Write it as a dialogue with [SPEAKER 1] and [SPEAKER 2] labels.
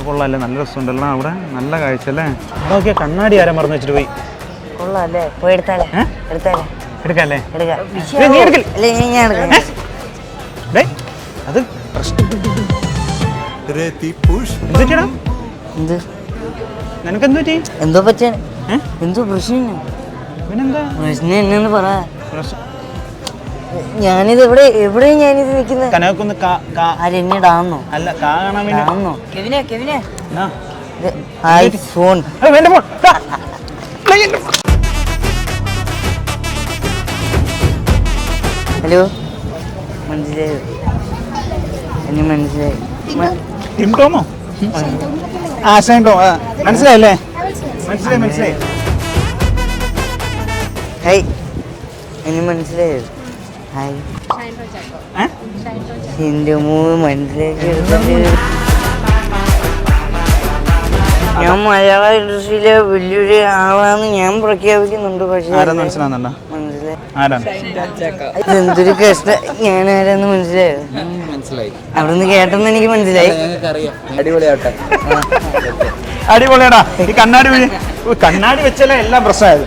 [SPEAKER 1] കൊള്ളാല്ലേ, നല്ല രസമുണ്ടല്ലോ അവിടെ, നല്ല കാഴ്ച അല്ലേ. ഓക്കെ, കണ്ണാടി ആരാ മറന്നു വെച്ചിട്ട് പോയി.
[SPEAKER 2] കൊള്ളാല്ലേ, പോയി എടുത്താലേ.
[SPEAKER 1] എടുക്കാല്ലേ? അത് നിനക്കെന്തു പറ്റി?
[SPEAKER 2] എന്തോ പറ്റാ, എന്തോ പ്രശ്നം.
[SPEAKER 1] പിന്നെന്താ
[SPEAKER 2] പ്രശ്നം എന്നു പറ. ഞാനിത് എവിടെയും ഞാനിത് നിൽക്കുന്നത്.
[SPEAKER 1] കനകൊന്ന്
[SPEAKER 2] ആരെന്നിടാന്നോ?
[SPEAKER 1] അല്ല, കാണാൻ
[SPEAKER 2] വേണ്ടി. ഐഫോൺ. ഹലോ, മനസ്സിലായോ? എന്നെ മനസ്സിലായി.
[SPEAKER 1] ടിം ടോമോ? ഷൈൻ ടോം. മനസ്സിലായല്ലേ? മനസ്സിലായി.
[SPEAKER 2] ഹായ്, എന്നെ മനസ്സിലായോ? ഹായ്. എന്റെ മനസ്സിലാക്കി. ഞാൻ മലയാള ഇൻഡസ്ട്രിയിലെ വലിയൊരു ആളാന്ന് ഞാൻ പ്രഖ്യാപിക്കുന്നുണ്ട്. പക്ഷേ
[SPEAKER 1] മനസ്സിലാവുന്നുണ്ടോ?
[SPEAKER 2] എന്തൊരു കഷ്ടം. ഞാൻ ആരാന്ന് മനസ്സിലായോ? അവിടുന്ന് കേട്ടെന്ന് എനിക്ക് മനസ്സിലായി.
[SPEAKER 1] അടിപൊളിയാടാ. ഈ കണ്ണാടി വെച്ചാലേ എല്ലാം പ്രശ്നമായത്.